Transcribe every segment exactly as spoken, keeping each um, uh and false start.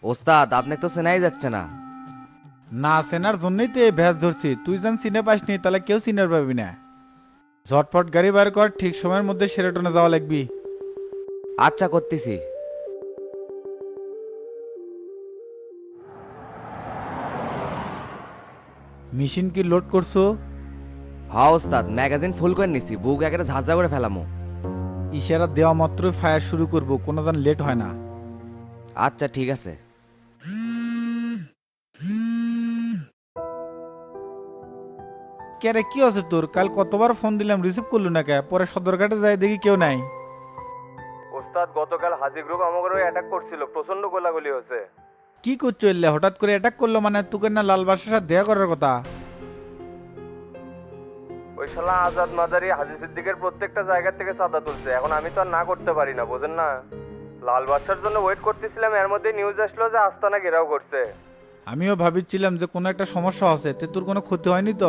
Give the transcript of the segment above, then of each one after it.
ওস্তাদ আপনাকে তো চেনাই যাচ্ছে না। না চেনার জন্যই তো এই ভ্যাস ধরছি, তুই যেন চিনে পাসনি তাহলে কেউ চিনার পাবি না। ঝটপট গাড়ি বার কর, ঠিক সময়ের মধ্যে সেরাটনে যাওয়া লাগবি। আচ্ছা করতেছি। মেশিন কি লোড করছো? হ্যাঁ ওস্তাদ, ম্যাগাজিন ফুল করে নিছি, বুক একেবারে ঝাঁঝা করে ফেলামো। ইশারা দেওয়া মাত্রই ফায়ার শুরু করব, কোনো যেন লেট হয় না। আচ্ছা ঠিক আছে। কে রে, কি আছে তোর? কাল কতবার ফোন দিলাম, রিসিভ করলু না কে? পরে সদরঘাটে যাই দেখি কেউ নাই। ওস্তাদ গতকাল হাজি গ্রুপ আমাকে অ্যাটাক করছিল, প্রচন্ড গোলাগুলি হয়েছে। কি করছো এলে? হঠাৎ করে অ্যাটাক করলো মানে? তোকে না লাল বাসার সাথে দেখা করার কথা? ওই শালা আজাদ মাদারি হাজি সিদ্দিকের প্রত্যেকটা জায়গা থেকে চাঁদা তুলছে, এখন আমি তো আর না করতে পারি না, বোঝেন না। লাল বাদশার জন্য ওয়েট করতেছিলাম, এর মধ্যে নিউজ আসলো যে আস্তানা ঘেরাও করছে। আমিও ভাবছিলাম যে কোনো একটা সমস্যা আছে, তে তোর কোনো ক্ষতি হয়নি তো?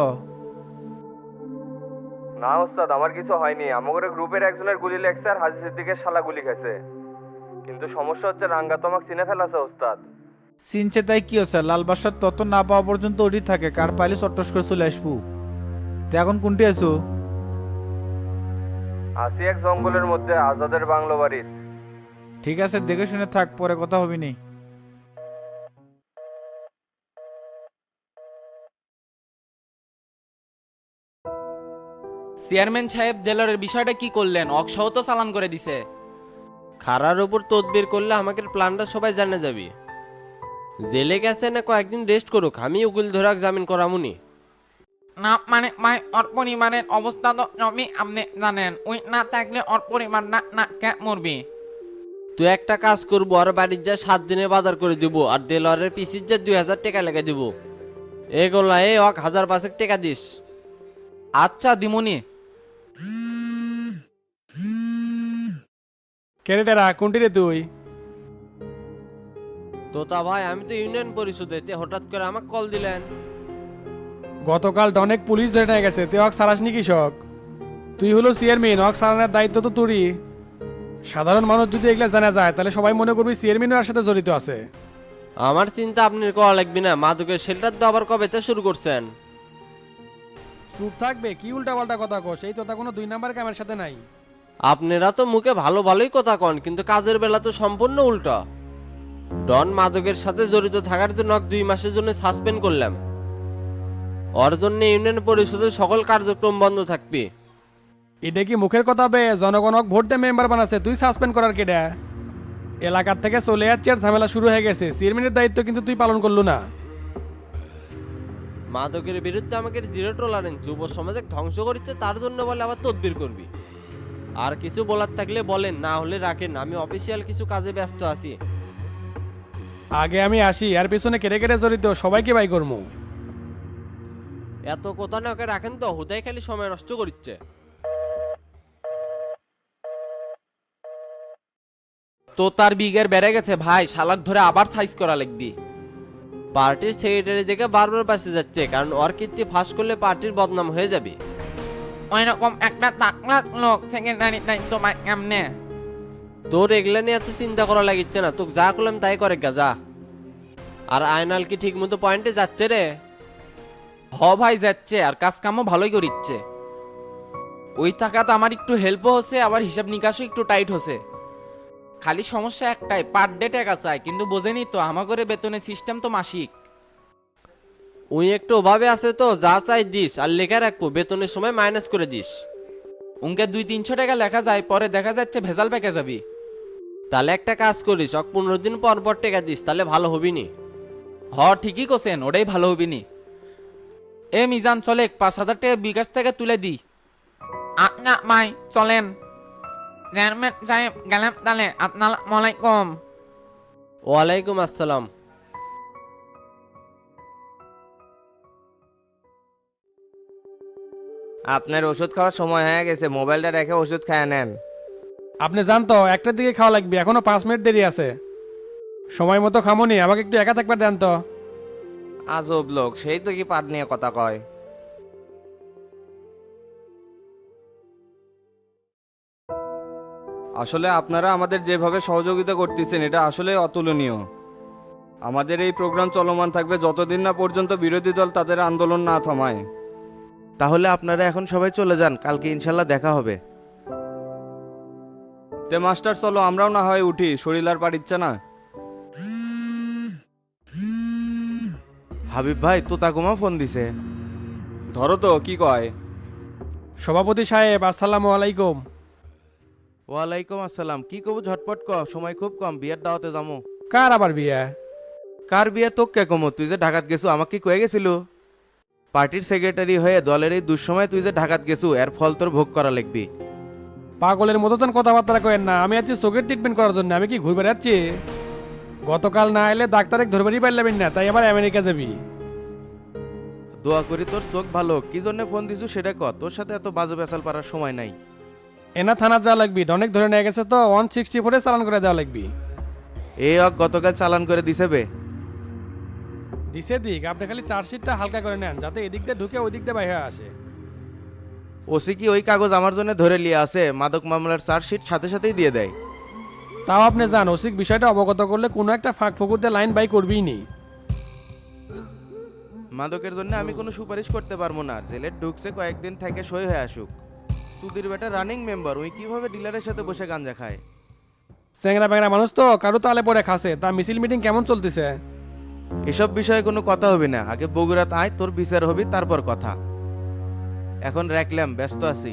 না ওস্তাদ, আমার কিছু হয়নি। আমাদের গ্রুপের একজনের গুলি লেগছে আর হাজি সিদ্দিকের শালা গুলি খেয়েছে। কিন্তু সমস্যা হচ্ছে রাঙ্গা তোমাকে চিনে ফেলাছে ওস্তাদ। চিনছে তাই কি হচ্ছে? লাল বাসার তত না পাওয়া পর্যন্ত ওটি থাকে, কার পাইলে চট্টস করে চলে আসবো। তে এখন কোনটি আছো? আসি এক জঙ্গলের মধ্যে আজাদের বাংলো বাড়ির। ঠিক আছে, দেখে শুনে থাক, পরে কথা হবি নি। চেয়ারম্যান সাহেব দেলারের বিষয়টা কি করলেন? অকসহ তো চালান করে দিছে। খারার উপর তদবির করলে আমাকে প্ল্যানটা সবাই জানে যাবি। জেলে গেছে না কয়েকদিন রেস্ট করুক, আমি উকিল ধরাক জামিন করামুনি। না মানে ভাই, ওর পরিবারের অবস্থা তো সবই আপনি জানেন। ওই না থাকলে ওর পরিবার না না কে মরবি। তুই একটা কাজ করবো, আর বাড়ির যা সাত দিনে বাজার করে দিব, আর দেলোয়ারের পিসির যা দুই হাজার টাকা লেগে দিব। এগুলা এ অক হাজার পাঁচেক টাকা দিস। আচ্ছা দিমুনি। ক্যারেটারা কোনটি রে তুই? তোতা ভাই, আমি তো ইউনিয়ন পরিষদে, তে হঠাৎ করে আমাকে কল দিলেন। গতকাল অনেক পুলিশ ধরে নিয়ে গেছে, তুই হক সারাসনি কৃষক। তুই হলো চেয়ারম্যান, হক সারানোর দায়িত্ব তো তোরই। সাধারণ মানুষ যদি এগুলা জানা যায় তাহলে সবাই মনে করবি চেয়ারম্যানও এর সাথে জড়িত আছে। আমার চিন্তা আপনার করা লাগবে না, মাদকের শেল্টার তো আবার কবে তে শুরু করছেন? চুপ থাকবে, কি উল্টা পাল্টা কথা কস? এই তোতা কোনো দুই নাম্বার কামের সাথে নাই। আপনারা তো মুখে ভালো ভালোই কথা কন, কিন্তু কাজের বেলা তো সম্পূর্ণ উল্টা। ডন মাদকের সাথে জড়িত থাকার জন্য ওকে দুই মাসের জন্য সাসপেন্ড করলাম। ওর জন্য ইউনিয়ন পরিষদের সকল কার্যক্রম বন্ধ থাকবে। এটা কি মুখের কথা বে? জনগণক ভোট দিয়ে মেম্বার বানাচ্ছে, তুই সাসপেন্ড করার কেডা? এলাকার থেকে চলে যাচ্ছে আর ঝামেলা শুরু হয়ে গেছে, চেয়ারম্যানের দায়িত্ব কিন্তু তুই পালন করলু না। মাদকের বিরুদ্ধে আমাকে জিরো টলারেন্স, যুব সমাজে ধ্বংস করছে, তার জন্য বলে আবার তদবির করবি। আর কিছু বলার থাকলে বলেন, না হলে রাখেন, আমি অফিসিয়াল কিছু কাজে ব্যস্ত আছি। আগে আমি আসি, আর পেছনে কেটে কেটে জড়িত সবাইকে বাই করবো। এত কথা না ওকে রাখেন তো, হুদাই খালি সময় নষ্ট করছে। তো তার বিঘের বেড়ে গেছে ভাই, শালাক ধরে আবার সাইজ করা লাগবি। পার্টির সেক্রেটারি দেখে বারবার পাশে যাচ্ছে, কারণ ওর কীর্তি ফাঁস করলে পার্টির বদনাম হয়ে যাবে। ওই রকম একটা তাকলা লোক সেকেন্ডারি দায়িত্ব পাই কেমনে? তোর এগুলা নিয়ে এত চিন্তা করা লাগিচ্ছে না, তোকে যা করলাম তাই করে গা যা। আর আয়নাল কি ঠিক মতো পয়েন্টে যাচ্ছে রে? হ ভাই যাচ্ছে, আর কাজ কামও ভালোই করিচ্ছে। ওই টাকাতে আমার একটু হেল্পও হচ্ছে, আবার হিসাব নিকাশও একটু টাইট হচ্ছে। খালি সমস্যা একটাই, পার ডে টাকা চাই, কিন্তু বোঝেনি তো আমাগরে বেতনের সিস্টেম তো মাসিক। উই একটু অভাবে আছে তো, যা চাই দিস, আর লেখা রাখবো বেতনের সময় মাইনাস করে দিস। উনকে দুই তিনশো টাকা লেখা যায়, পরে দেখা যাচ্ছে ভেজাল পেকে যাবি। তাহলে একটা কাজ করিস, অক পনেরো দিন পর পর টাকা দিস, তাহলে ভালো হবি নি। হ ঠিকই কোসেন, ওটাই ভালো হবি নি। এ মিজান চলে, পাঁচ হাজার টাকা বিকাশ থেকে তুলে দি। আপনা মাই চলেন। চেয়ারম্যান সাহেব গেলাম তাহলে, আসসালামু আলাইকুম। ওয়ালাইকুম আসসালাম। আপনার ওষুধ খাওয়ার সময় হয়ে গেছে, মোবাইলটা রেখে ওষুধ খেয়ে নেন। আপনি জান তো একটার দিকে খাওয়া লাগবে, এখনো পাঁচ মিনিট দেরি আছে। সময় মতো খামোনি, আমাকে একটু একা থাকবার দেন তো। আজব লোক, সেই তো কি পাট নিয়ে কথা কয়। আসলে আপনারা আমাদের যেভাবে সহযোগিতা করতেছেন এটা আসলে অতুলনীয়। আমাদের এই প্রোগ্রাম চলমান থাকবে যতদিন না পর্যন্ত বিরোধী দল তাদের আন্দোলন না থামায়। তাহলে আপনারা এখন সবাই চলে যান, কালকে ইনশাল্লাহ দেখা হবে। তে মাস্টার চলো, আমরাও না হয় উঠি, শরীর আর পারিচ্ছে না। হাবিব ভাই তোতাকুমা ফোন দিছে। ধরো তো, কি কয়? সভাপতি সাহেব আসসালামু আলাইকুম। ওয়ালাইকুম আসসালাম। কি কব ঝটপট ক, সময় খুব কম, বিয়ের দাওয়াতে যাবো। কার আবার বিয়ে? কার বিয়ে তোক কে কমো? তুই যে ঢাকাত গেছু আমাকে কি কয়ে গেছিল? পার্টির সেক্রেটারি হয়ে দলের এই দুঃসময় তুই যে ঢাকাত গেছু, এর ফল তোর ভোগ করা লাগবি। পাগলের মতো তখন কথাবার্তা কেন না, আমি আছি চোখের ট্রিটমেন্ট করার জন্য, আমি কি ঘুরে বেড়াচ্ছি? গতকাল না এলে ডাক্তারে ধরবারই পারলাম না, তাই আবার আমেরিকা যাবি? দোয়া করি তোর চোখ ভালো। কি জন্য ফোন দিছু সেটা ক, তোর সাথে এত বাজে বেসাল পারার সময় নাই। এনা থানা যাওয়া লাগবি, অনেক ধরে নিয়ে গেছে তো, ওয়ান সিক্সটি ফোরে চালান করে দেওয়া লাগবি। এই অক গতকাল চালান করে দিছে বে। দিছে দিক, আপনি খালি চার্জশিটটা হালকা করে নেন, যাতে এদিক দিয়ে ঢুকে ওই দিক দিয়ে বাইরে আসে। ওসি কি ওই কাগজ আমার জন্য ধরে লিয়ে আছে? মাদক মামলার চার্জশিট সাথে সাথেই দিয়ে দেয়। তাও আপনি জান, ওসিক বিষয়টা অবগত করলে কোনো একটা ফাঁক ফকুরতে লাইন বাই করবিই নি। মাদকের জন্য আমি কোনো সুপারিশ করতে পারবো না। জেলে ঢুকছে, কয়েকদিন থেকে সই হয়ে আসুক। সুধীর বেটা রানিং মেম্বার, ওই কিভাবে ডিলারের সাথে বসে গাঞ্জা খায়? স্যাংরা ব্যাংরা মানুষ তো, কারো তালে পরে খাসে। তা মিছিল মিটিং কেমন চলতেছে? এসব বিষয়ে কোনো কথা হবে না, আগে বগুড়াত আয়, তোর বিচার হবি তারপর কথা। এখন রাখলাম, ব্যস্ত আছি।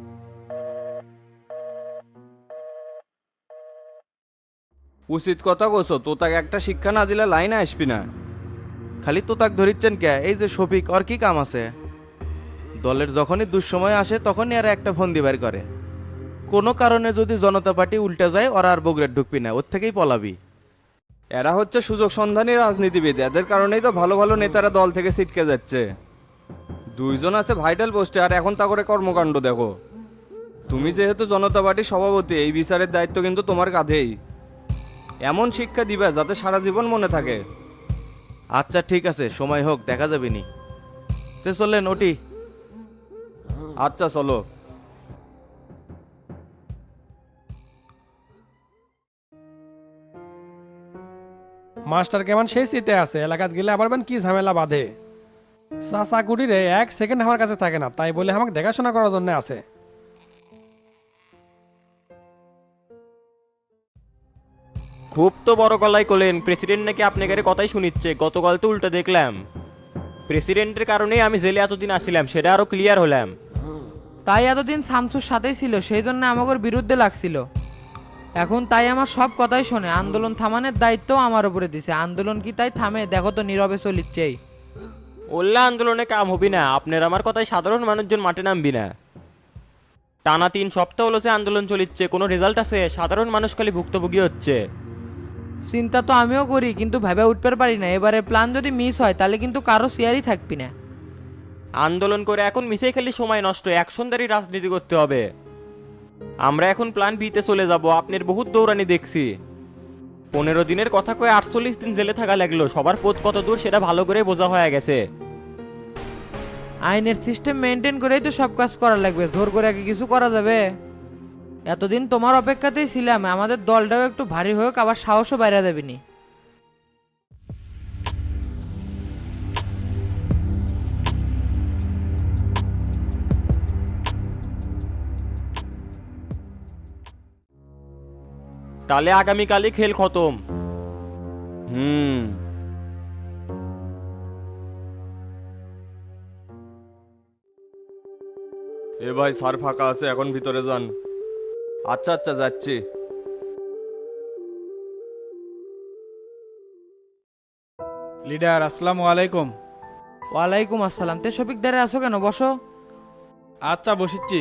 উচিত কথা কোসো, তো তাকে একটা শিক্ষা না দিলে লাইনে আসবি না। খালি তো তাক ধরিচ্ছেন কে? এই যে শফিক, ওর কি কাম আছে? দলের যখনই দুঃসময় আসে তখনই আর একটা ফোন দিবার করে। কোনো কারণে যদি জনতা পার্টি উল্টে যায়, ওরা আর বগুড়ার ঢুকবি না, ওর থেকেই পলাবি। এরা হচ্ছে সুযোগ সন্ধানী রাজনীতিবিদ, এদের কারণেই তো ভালো ভালো নেতারা দল থেকে ছিটকে যাচ্ছে। দুইজন আছে ভাইটাল পোস্টে, আর এখন তা করে কর্মকাণ্ড দেখো। তুমি যেহেতু জনতা পার্টির সভাপতি, এই বিচারের দায়িত্ব কিন্তু তোমার কাঁধেই। এমন শিক্ষা দিবে যাতে সারা জীবন মনে থাকে। আচ্ছা ঠিক আছে, সময় হোক, দেখা যাবে নি। তে চললেন ওটি। আচ্ছা চলো। মাস্টার কেমন সেই শীতে আছে, এলাকাত গেলে আবার বেন কি ঝামেলা বাঁধে। চাচা কুটিরে এক সেকেন্ড আমার কাছে থাকে না, তাই বলে আমাকে দেখাশোনা করার জন্য আছে। খুব তো বড় গলায় করলেন, প্রেসিডেন্ট নাকি আপনাদের কথাই শুনিচ্ছে। গতকাল তো উল্টো দেখলাম। প্রেসিডেন্টের কারণেই আমি জেলে এতদিন আসছিলাম, সেটা আরো ক্লিয়ার হলাম। তাই এতদিন শামসুর সাথেই ছিল, সেই জন্য আমাদের বিরুদ্ধে লাগছিল। এখন তাই আমার সব কথাই শোনে, আন্দোলন থামানোর দায়িত্ব আমার উপরে দিছে। আন্দোলন কি তাই থামে? দেখো তো নীরবে চলিচ্ছেই। ওল্লা আন্দোলনে কাম হবি না, আপনার আমার কথায় সাধারণ মানুষজন মাঠে নামবি না। টানা তিন সপ্তাহ হলো যে আন্দোলন চলিচ্ছে, কোনো রেজাল্ট আছে? সাধারণ মানুষ খালি ভুক্তভোগী হচ্ছে। চিন্তা তো আমিও করি, কিন্তু ভেবে উঠতে পারি না। এবারে প্ল্যান যদি মিস হয় তাহলে কিন্তু কারো শেয়ারই থাকবি না। আন্দোলন করে এখন মিশেই খালি সময় নষ্ট, অ্যাকশনদারি রাজনীতি করতে হবে। আমরা এখন প্ল্যান বিতে চলে যাব। আপনার বহুত দৌড়ানি দেখছি। পনেরো দিনের কথা কয়ে আটচল্লিশ দিন জেলে থাকা লাগলো, সবার পথ কত দূর সেটা ভালো করে বোঝা হয়ে গেছে। আইনের সিস্টেম মেনটেন করেই তো সব কাজ করা লাগবে, জোর করে কি কিছু করা যাবে? এতদিন তোমার অপেক্ষাতেই ছিলাম, আমাদের দলটাও একটু ভারী হোক, আবার সাহসও বাইরে দেবেনি। তাহলে আগামীকালই খেল খতম। হুম। এ ভাই, স্যার ফাঁকা আছে, এখন ভিতরে যান। আচ্ছা আচ্ছা, যাচ্ছি। লিডার আসসালামু আলাইকুম। ওয়ালাইকুম আসসালাম। তে শফিক দাঁড়ে আসো কেন? বসো। আচ্ছা বসিচ্ছি।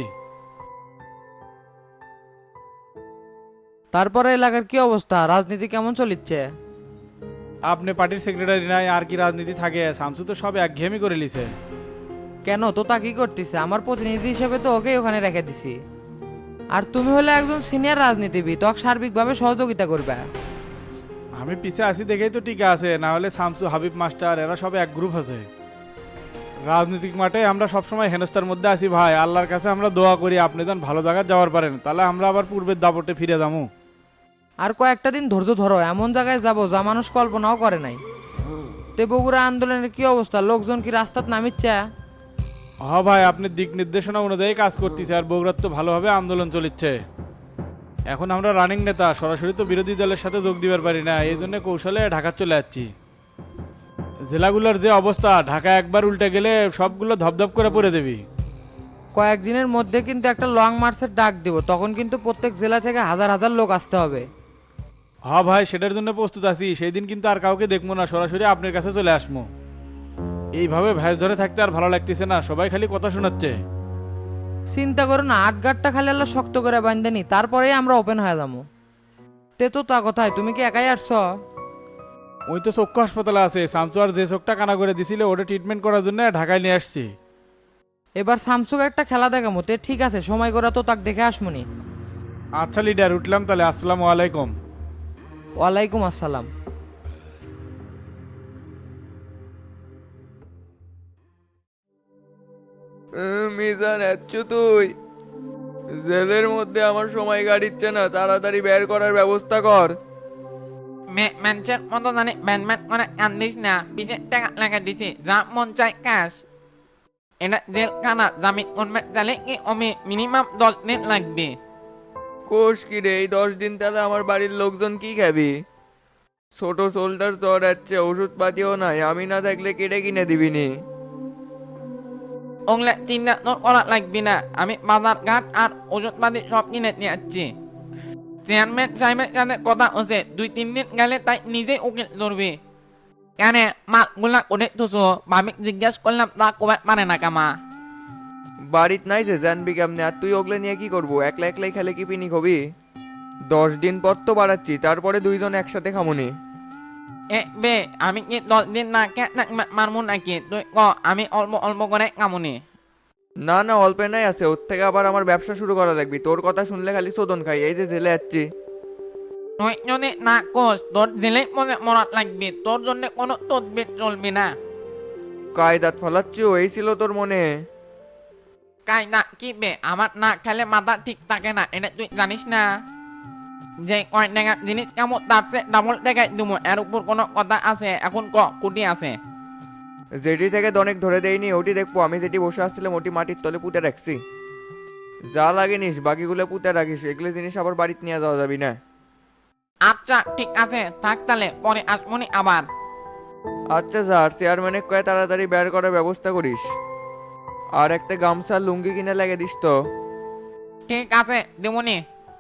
তারপরে এলাকার কি অবস্থা? রাজনীতি কেমন চলিচ্ছে? আপনি পার্টির সেক্রেটারি নাই, আর কি রাজনীতি থাকে? শামসু তো সব একঘেয়েমি করে লিছে। কেন তো তা কি করতেছে? আমার প্রতিনিধি হিসেবে তো ওকে ওখানে রেখে দিছি। আর তুমি হলে একজন সিনিয়র রাজনীতিবিদ, তোকে সার্বিকভাবে সহযোগিতা করবে। আমি পিছে আসি দেখেই তো টিকা আছে, না হলে শামসু, হাবিব মাস্টার এরা সব এক গ্রুপ আছে। রাজনৈতিক মাঠে আমরা সবসময় হেনস্থার মধ্যে আছি ভাই। আল্লাহর কাছে আমরা দোয়া করি আপনি যেন ভালো জায়গায় যাওয়ার পারেন, তাহলে আমরা আবার পূর্বের দাপটে ফিরে যাবো। আর কয়েকটা দিন ধৈর্য ধরো, এমন জায়গায় যাব যা মানুষ কল্পনাও করে নাই। তে বগুড়া আন্দোলনের কি অবস্থা, লোকজন কি রাস্তাত নামিচ্ছে? হ ভাই, আপনি দিক নির্দেশনা অনুযায়ী কাজ করতেছে আর বগুড়ার তো ভালোভাবে আন্দোলন চলিচ্ছে। এখন আমরা রানিং নেতা, সরাসরি তো বিরোধী দলের সাথে যোগ দিবার পারি না, এই জন্য কৌশলে ঢাকা চলে যাচ্ছি। জেলাগুলোর যে অবস্থা, ঢাকা একবার উল্টে গেলে সবগুলো ধপধপ করে পড়ে দেবি। কয়েকদিনের মধ্যে কিন্তু একটা লং মার্চের ডাক দিব, তখন কিন্তু প্রত্যেক জেলা থেকে হাজার হাজার লোক আসতে হবে। হ ভাই, সেটার জন্য প্রস্তুত আছি। সেই দিন কিন্তু আর কাউকে দেখবো না, সরাসরি আপনার কাছে চলে আসবো। এইভাবে ভ্যাস ধরে থাকতে আর ভালো লাগতেছে না, সবাই খালি কথা শোনাচ্ছে। চিন্তা করো না, আট গাঁটটা খালি আল্লাহ শক্ত করে বান্ধেনি, তারপরেই আমরা ওপেন হয়ে যাবো। তে তো তা কথায়, তুমি কি একাই আসছ? ওই তো চক্ষু হাসপাতালে আছে, শামসু আর যে চোখটা কানা করে দিছিল ওটা ট্রিটমেন্ট করার জন্য ঢাকায় নিয়ে আসছি। এবার স্যামসুং একটা খেলা দেখামো, তে ঠিক আছে, সময় করে তো তাক দেখে আসমনি। আচ্ছা লিডার, উঠলাম তাহলে, আসসালামু আলাইকুম। ওয়ালাইকুম আসসালাম। মিজান আচ্ছু, তুই জেলের মধ্যে আমার সময় কাটিচ্ছে না, তাড়াতাড়ি বের করার ব্যবস্থা কর। ম্যানচের মতো জানি ব্যান ম্যান করে কান্দিস না, পিছে টাকা লাগা দিছি, যা মন চাই কাশ। এটা জেল খানা, জামিন করবে তাহলে কি আমি মিনিমাম দশ দিন লাগবে। কোষ কি রে, এই দশ দিন তাহলে আমার বাড়ির লোকজন কি খাবি? ছোট শোল্ডার জ্বর আছে, ওষুধপাতিও নাই, আমি না থাকলে কেটে কিনে দিবিনি। ওগুলা চিন্তা তোর করা লাগবে না, আমি বাজার ঘাট আর ওষুধপাতি সব কিনে নিয়ে আসছি। চেয়ারম্যান সাহেবের সাথে কথা হচ্ছে, দুই তিন দিন গেলে তাই নিজে উকিল ধরবে। কেন মালগুলা করে তুসো, ভাবি জিজ্ঞাসা করলাম, তা কবে মানে না কামা। বাড়িত নাই যে জানবি কেমনে, আর তুই ওগুলো নিয়ে কি করবো? একলা একলাই খেলে কি পিনি হবি? দশ দিন পর তো বাড়াচ্ছি, তারপরে দুইজন একসাথে খামুনি। এ বে, আমি কি দশ দিন না কে মারমু নাকি? তুই ক, আমি অল্প অল্প করে কামুনি। না না, অল্পে নাই আছে, ওর থেকে আবার আমার ব্যবসা শুরু করা লাগবে। তোর কথা শুনলে খালি শোধন খাই, এই যে জেলে যাচ্ছি। তুই যদি না কোস, তোর জেলেই মনে মরাত লাগবে, তোর জন্য কোনো তদবির চলবে না। কায়দাত ফলাচ্ছি, এই ছিল তোর মনে? কাই না কি বে, আমার না খেলে মাথা ঠিক থাকে না, এটা তুই জানিস না? যে কয় টাকা জিনিস কেমন, তার চেয়ে ডাবল টাকায় দিব, এর উপর কোনো কথা আছে? এখন ক, কুটি আছে? যেটি থেকে অনেক ধরে দেয়নি, ওটি দেখবো। আমি যেটি বসে আসছিলাম ওটি মাটির তলে পুঁতে রাখছি। যা লাগে নিস, বাকিগুলো পুঁতে রাখিস, এগুলো জিনিস আবার বাড়িতে নিয়ে যাওয়া যাবি না। আচ্ছা ঠিক আছে, থাক তাহলে, পরে আসমনি আবার। আচ্ছা স্যার, চেয়ারম্যানের কয়ে তাড়াতাড়ি বের করার ব্যবস্থা করিস। আর একটা গামছা লুঙ্গি কিনে লাগে দিস তো। ঠিক আছে, দেবনি।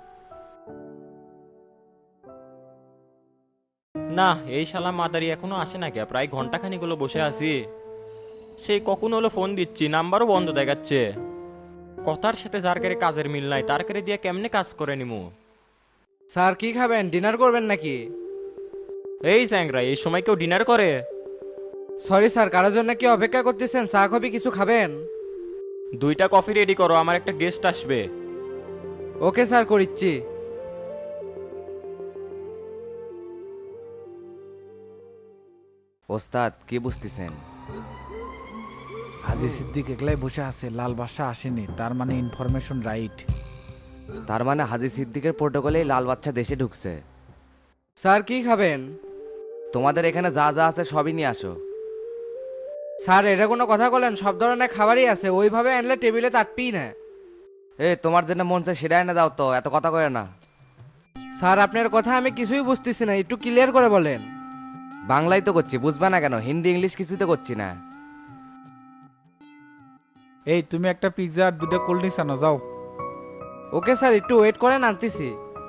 না, এই শালা মাদারি এখনো আসে না কে? প্রায় ঘন্টাখানিক হলো বসে আছি, সেই কখন হলো ফোন দিচ্ছি, নাম্বারও বন্ধ দেখাচ্ছে। কথার সাথে যার কারে কাজের মিল নাই, তার কারে দিয়ে কেমনে কাজ করে নিমু? স্যার কি খাবেন, ডিনার করবেন নাকি? এই স্যাংরা, এই সময় কেউ ডিনার করে? সরি স্যার, কারোর জন্য কি অপেক্ষা করতেছেন? চা কফি কিছু খাবেন? দুইটা কফি রেডি করো, আমার একটা গেস্ট আসবে। ওকে স্যার, করিচ্ছি। ওস্তাদ কি বুঝতেছেন? হাজি সিদ্দিক একলাই বসে আছে, লাল বাদশা আসেনি, তার মানে ইনফরমেশন রাইট। তার মানে হাজি সিদ্দিকের প্রোটোকলেই লাল বাচ্চা দেশে ঢুকছে। স্যার কি খাবেন? তোমাদের এখানে যা যা আছে সবই নিয়ে আসো। স্যার এটা কোনো কথা বলেন, সব ধরনের খাবারই আছে, ওইভাবে আনলে টেবিলে তাটপি না। এ তোমার যেটা মন চায় সেটা এনে দাও তো, এত কথা কয়ে না। স্যার আপনার কথা আমি কিছুই বুঝতেছি না, একটু ক্লিয়ার করে বলেন। বাংলায় তো করছি, বুঝবে না কেন? হিন্দি ইংলিশ কিছুই তো করছি না। এই তুমি একটা পিৎজা আর দুটো কোল্ড ড্রিঙ্কস আনো যাও। ওকে স্যার, একটু ওয়েট করেন, আনতেছি।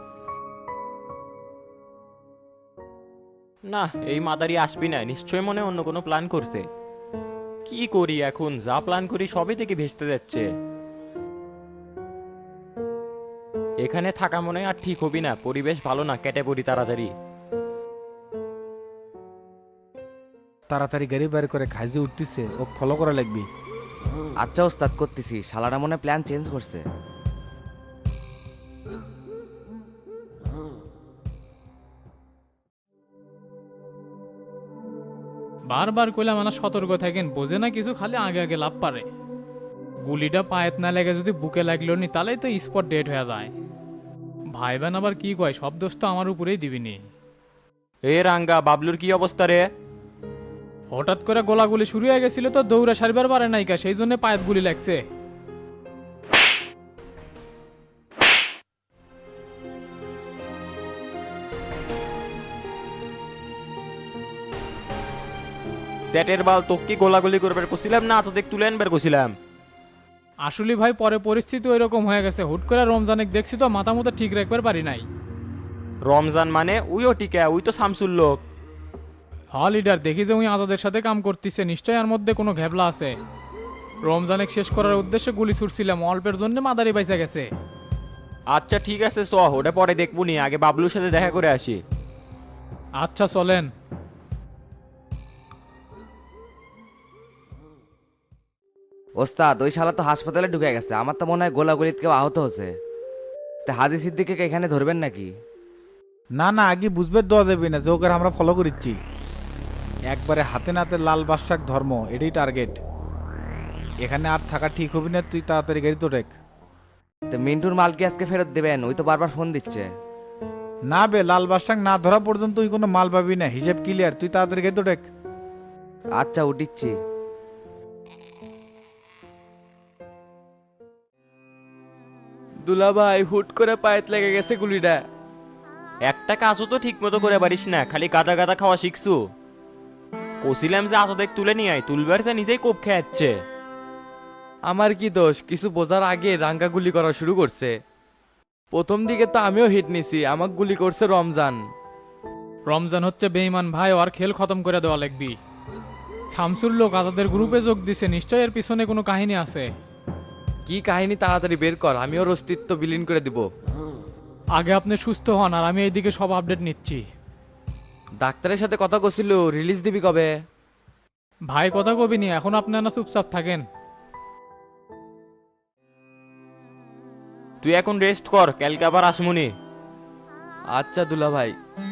না, এই মাদারি আসবি না, নিশ্চয় মনে অন্য কোনো প্ল্যান করছে। কি করি এখন? যা প্ল্যান করি সবই থেকে ভেস্তে যাচ্ছে। এখানে থাকা মনে হয় আর ঠিক হবি না, পরিবেশ ভালো না, কেটে পড়ি তাড়াতাড়ি। তাড়াতাড়ি গাড়ি বের করে খাইজে উঠতেছে, ও ফলো করা লাগবে। আচ্ছা ওস্তাদ, করতেছি। শালারা মনে প্ল্যান চেঞ্জ করছে। বারবার কইলাম মানে সতর্ক থাকেন, বোঝে না কিছু, খালি আগে আগে লাভ পারে। গুলিটা পায়েত না লেগে যদি বুকে লাগলো নি, তাহলেই তো স্পট ডেট হয়ে যায়। ভাই বোন আবার কি কয়, সব দোষ তো আমার উপরেই দিবিনি। এ রাঙ্গা, বাবলুর কি অবস্থা রে? হঠাৎ করে গোলাগুলি শুরু হয়ে গেছিল তো দৌড়া সারিবার পারে নাইকা, সেই জন্য পায়ের গুলি লাগছে। সেটের বাল, তোকে কি গোলাগুলি করবার কছিলাম না আচ্ছা দেখ তুলে আনবার কছিলাম? আসলে ভাই পরে পরিস্থিতি ওই রকম হয়ে গেছে, হুট করে রমজানে দেখছি তো মাথা মতো ঠিক রাখবার পারি নাই। রমজান মানে উইও টিকা, উই তো শামসুর লোক। হ লিডার, দেখি যে উনি আজাদের সাথে কাম করতেছে, নিশ্চয় এর মধ্যে কোনো ঘেবলা আছে। রমজানে শেষ করার উদ্দেশ্যে গুলি ছুটছিলাম, অল্পের জন্য মাদারি বাইসা গেছে। আচ্ছা ঠিক আছে চ, ওটা পরে দেখবো নি, আগে বাবলুর সাথে দেখা করে আসি। আচ্ছা চলেন। ওস্তাদ, ওই শালা তো হাসপাতালে ঢুকে গেছে। আমার তো মনে হয় গোলাগুলিত কেউ আহত হচ্ছে। তা হাজি সিদ্দিককে এখানে ধরবেন নাকি? না না, আগে বুঝবে দেওয়া যাবে না যে ওকে আমরা ফলো করিচ্ছি। একবারে হাতে নাতে লাল বাদশাক ধর্ম, এটাই টার্গেট। এখানে আর থাকা ঠিক হবি না, তুই তাড়াতাড়ি গাড়ি তো রেখ। তো মিন্টুর মাল কি আজকে ফেরত দেবেন? ওই তো বারবার ফোন দিচ্ছে। না বে, লাল বাদশাক না ধরা পর্যন্ত তুই কোনো মাল পাবি না, হিসেব ক্লিয়ার। তুই তাড়াতাড়ি গাড়ি তো রেখ। আচ্ছা, উঠিচ্ছি। দুলা ভাই, হুট করে পায়েত লেগে গেছে গুলিটা। একটা কাজও তো ঠিক মতো করে পারিস না, খালি গাদা গাদা খাওয়া শিখছু। কছিলাম যে আচ্ছা দেখ তুলে নিয়ে আয়, তুলবার যা নিজেই কোপ খেয়ে যাচ্ছে। আমার কি দোষ? কিছু বোঝার আগে রাঙ্গা গুলি করা শুরু করছে। প্রথম দিকে তো আমিও হিট নিছি, আমাকে গুলি করছে রমজান। রমজান হচ্ছে বেঈমান ভাই, আর খেল খতম করে দেওয়া লাগবি। শামসুর লোক আজাদের গ্রুপে যোগ দিছে, নিশ্চয় এর পিছনে কোনো কাহিনী আছে। কি কাহিনী তাড়াতাড়ি বের কর, আমি ওর অস্তিত্ব বিলীন করে দিব। আগে আপনি সুস্থ হন, আর আমি এইদিকে সব আপডেট নিচ্ছি। ডাক্তারের সাথে কথা কছিল, রিলিজ দিবি কবে? ভাই কথা কবিনি, এখন আপনারা চুপচাপ থাকেন। তুই এখন রেস্ট কর, কালকে আবার আসমুনি। আচ্ছা দুলা ভাই।